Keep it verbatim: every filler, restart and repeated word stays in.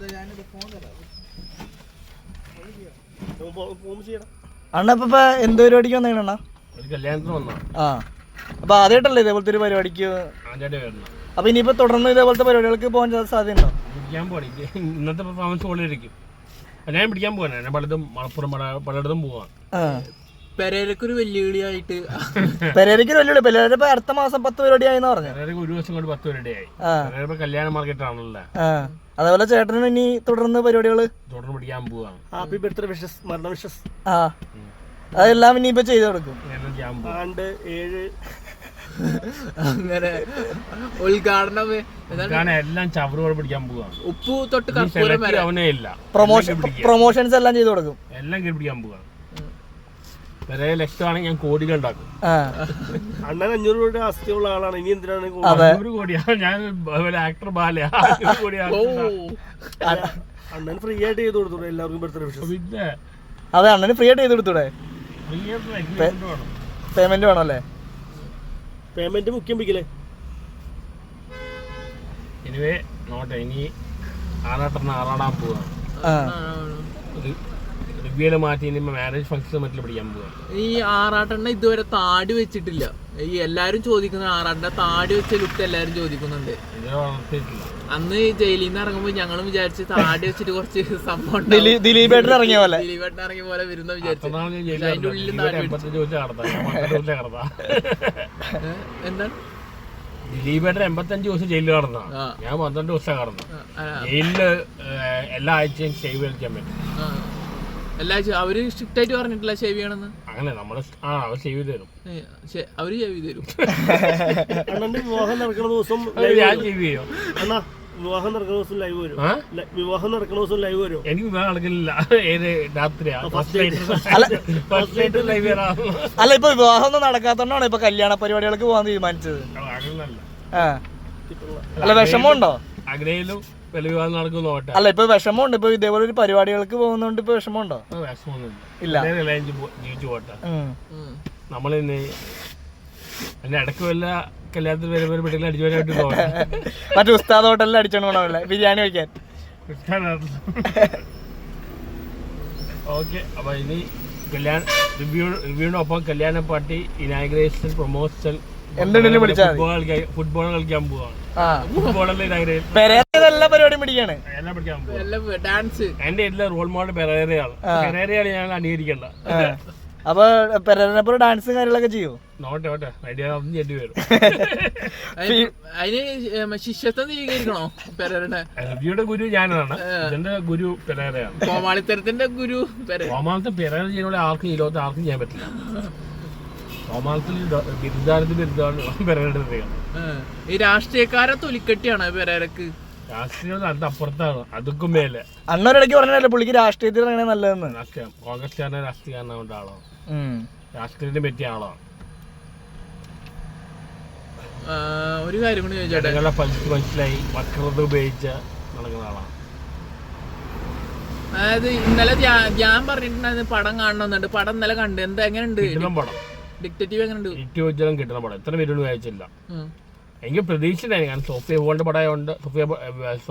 അണ്ണ ഇപ്പൊ എന്ത് പരിപാടിക്ക് വന്നേക്കണ? ആ അപ്പൊ ആദ്യമായിട്ടല്ലേ ഇതേപോലത്തെ ഒരു പരിപാടിക്ക്? അപ്പൊ ഇനിയിപ്പോ തുടർന്ന് ഇതേപോലത്തെ പരിപാടികൾക്ക് പോകാൻ സാധ്യതയുണ്ടോ? ഇന്നത്തെ പെർഫോമൻസ് പോലെ ഇരിക്കും. ഞാൻ പിടിക്കാൻ പോകാനാണ്, ഞാൻ പലതും മലപ്പുറം പലയിടത്തും പോവാൻ. പെരേരക്കൊരു വെല്ലുവിളിയായിട്ട് പെരേരക്കൊരു വെല്ലുവിളി. പെരേര ഇപ്പൊ അടുത്ത മാസം പത്ത് പരിപാടി ആയിന്ന് പറഞ്ഞു. ഒരു ദിവസം കൊണ്ട് പത്ത് പരിപാടിയായി. കല്യാണ മാർക്കറ്റ് ആണല്ലോ. അതേപോലെ ചേട്ടനും ഇനി തുടർന്ന് പരിപാടികള് തുടർന്ന് പിടിക്കാൻ പോവാണ്. ഹാപ്പി ബർത്ത്ഡേ വിഷസ്, മരണ വിഷസ്. ആ അതെല്ലാം ഇനിയിപ്പോ ചെയ്ത് കൊടുക്കും. ആണ്ട് ഏഴ് അങ്ങനെ ഉദ്ഘാടനം എല്ലാം ചവറുകൾ പിടിക്കാൻ പോവാണ്. ഉപ്പു തൊട്ട് കർപ്പൂരം വരെ അവനേ ഇല്ല. പ്രൊമോഷൻ പ്രൊമോഷൻസ് എല്ലാം ചെയ്ത് കൊടുക്കും. എല്ലാം കയറി പിടിക്കാൻ പോവാണ്. വരെ ലക്ഷമാണെങ്കിൽ ഞാൻ കോടികൾ ഉണ്ടാക്കും. അണ്ണൻ അഞ്ഞൂറ് കോടി ആസ്തിയുള്ള ആളാണ്. ഇനി എന്തിനാണ് അഞ്ഞൂറ് കോടിയാണ്? ഞാൻ ആക്ടർ ബാല അണ്ണൻ ഫ്രീ ആയിട്ട് ചെയ്ത് കൊടുത്തൂടെ എല്ലാവർക്കും ബർത്ത്ഡേ വിഷസ്? പിന്നെ അതെ, അണ്ണന് ഫ്രീ ആയിട്ട് ചെയ്ത് കൊടുത്തൂടെ? പേയ്മെന്റ് വേണം അല്ലേ? പേയ്മെന്റ് മുഖ്യം പിടിക്കലേ. എനിവേ നോട്ടെ, ഇനി ആറാട്ടെണ്ണ ആറാടാൻ പോവാണ്. റിവ്യൂല് മാറ്റി ഇനി മാരേജ് ഫംഗ്ഷൻ മറ്റിൽ പിടിക്കാൻ പോവാണ്. ഈ ആറാട്ടെണ്ണ ഇതുവരെ താടി വെച്ചിട്ടില്ല. ഈ എല്ലാരും ചോദിക്കുന്ന ആറാട്ടെണ്ണ താടി വെച്ച ലുക്ക് എല്ലാരും ചോദിക്കുന്നുണ്ട്. അന്ന് ജയിലിൽ നിന്ന് ഇറങ്ങുമ്പോ ഞങ്ങളും വിചാരിച്ച് താടി വെച്ചിട്ട് കുറച്ച് സംഭവം ദിലീപേട്ടൻ ഇറങ്ങിയ പോലെ ദിലീപേട്ടൻ ഇറങ്ങിയ പോലെ വരുന്ന വിചാരിച്ചു. അതിന്റെ ഉള്ളിൽ എന്താണ് ദിലീപേട്ടൻ എൺപത്തഞ്ച് ദിവസം ജയിലിൽ കടന്ന, ഞാൻ പന്ത്രണ്ട് ദിവസം കടന്നു. ജയിലില് എല്ലാ ആഴ്ചയും ഷേവ് കളിക്കാൻ പറ്റും. എല്ലാ അവര് സ്ട്രിക്റ്റ് ആയിട്ട് പറഞ്ഞിട്ടില്ല ഷേവ് ചെയ്യണമെന്ന്. അങ്ങനെ നമ്മള് ആ അവർ ഷേവ് ചെയ്ത് തരും. അവര് ഷേവ് ചെയ്ത് തരും. അണ്ണന്റെ വിവാഹം നടക്കുന്ന ദിവസം ഞാൻ ഷേവ് ചെയ്യും. അണ്ണാ വിവാഹം നടക്കുന്ന ദിവസം ലൈവ് വരും. വിവാഹം നടക്കുന്ന ദിവസം ലൈവ് വരും. എനിക്ക് വിവാഹം നടക്കില്ല. ഏത് രാത്രിയാ? അല്ല, ഇപ്പൊ വിവാഹം ഒന്നും നടക്കാത്തോണ്ടാണ് ഇപ്പൊ കല്യാണ പരിപാടികൾക്ക് പോകാൻ തീരുമാനിച്ചത്. അല്ല, വിഷമമുണ്ടോ? ആഗ്രഹയിലും വിവാഹം നടക്കുന്നു. അല്ല, ഇപ്പൊ വിഷമമുണ്ട്. ഇപ്പൊ ഇതേപോലെ ഒരു പരിപാടികൾക്ക് പോകുന്നോണ്ട് ഇപ്പൊ വിഷമമുണ്ടോ? ഇല്ല, ജീവിച്ചു പോട്ടെ. നമ്മളിന്ന് അതിന്റെ ഇടയ്ക്ക് വല്ല കല്യാണത്തിൽ വരെ വരെ പെട്ടെന്ന് അടിച്ചു വരാനായിട്ട് പോകാം. മറ്റേ ഉസ്താദ് ഹോട്ടലിൽ അടിച്ചോണ്ട് പോകണമല്ലേ ബിരിയാണി കഴിക്കാൻ. ഓക്കെ, അപ്പൊ ഇനി കല്യാണ റിവ്യൂ റിവ്യൂവിനൊപ്പം കല്യാണ പാർട്ടി ഇനാഗ്രേഷൻ പ്രൊമോഷൻ എന്തെങ്കിലും വിളിച്ചാൽ ഫുട്ബോൾ കളിക്കാൻ പോവാണ്. എല്ലാ പരിപാടിയും പിടിക്കാണ്. എല്ലാം പിടിക്കാൻ പോവാ. ഡാൻസ് എന്റെ എല്ലാ റോൾ മോഡൽ പെരേരയാണ്. പെരേരയാണ് ഞാൻ അനുകരിക്കേണ്ട. അപ്പൊ പെരേരപ്പുറം ഡാൻസും കാര്യങ്ങളൊക്കെ ചെയ്യോ? നോട്ടെ നോട്ടെ ഐഡിയ ഒന്നും ചെല്ലി വരും. അതിന് ശിഷ്യത്വം സ്വീകരിക്കണോ? പെരേരയുടെ റിവ്യൂയുടെ ഗുരു ഞാനാണ്. ഇതിന്റെ ഗുരു പെരേരയാണ്. കോമാളിത്തരത്തിന്റെ ഗുരു കോമാളത്തെ പെരേര ചെയ്യുന്ന ആർക്കും ഈ ലോകത്ത് ആർക്കും ചെയ്യാൻ പറ്റില്ല. കോമാളത്തിൽ ബിരുദാനത്തിൽ ബിരുദാണ് പെരേരയുടെ. ഈ രാഷ്ട്രീയക്കാരെ തൊലിക്കെട്ടിയാണ് പെരേരക്ക്. രാഷ്ട്രീയം നല്ല അപ്പുറത്താണ്, അതൊക്കെ മേലെ. അന്നൊരിടയ്ക്ക് പറഞ്ഞല്ലേ പുള്ളിക്ക് രാഷ്ട്രീയത്തിൽ ഇറങ്ങണേ നല്ലതെന്ന്. രാഷ്ട്രീയം കോൺഗ്രസ്സുകാരനെ രാഷ്ട്രീയക്കാരനാവേണ്ട ആളാണ്. രാഷ്ട്രീയത്തിന് പറ്റിയ ആളാണ്. ഒരു കാര്യം കൂടി ചോദിച്ചോട്ടെ. പലിച്ച് മനസ്സിലായി വക്രത ഉപയോഗിച്ച് നടക്കുന്ന ആളാണ്. അതായത് ഇന്നലെ ഞാൻ പറഞ്ഞിട്ടുണ്ടായിരുന്നു പടം കാണണമെന്നുണ്ട്. പടം ഇന്നലെ കണ്ട്. എന്താ എങ്ങനെയുണ്ട് പടം? ഡിക്റ്റേറ്റീവ് എങ്ങനെയുണ്ട്? ഡിക്റ്റേറ്റീവ് കിട്ടുന്ന പടം എത്ര പേരോട് വായിച്ചില്ല. എനിക്ക് പ്രതീക്ഷിച്ചിട്ടായിരുന്നു. കാരണം സോഫിയ ബോളിന്റെ പടമായതുകൊണ്ട് സോഫിയ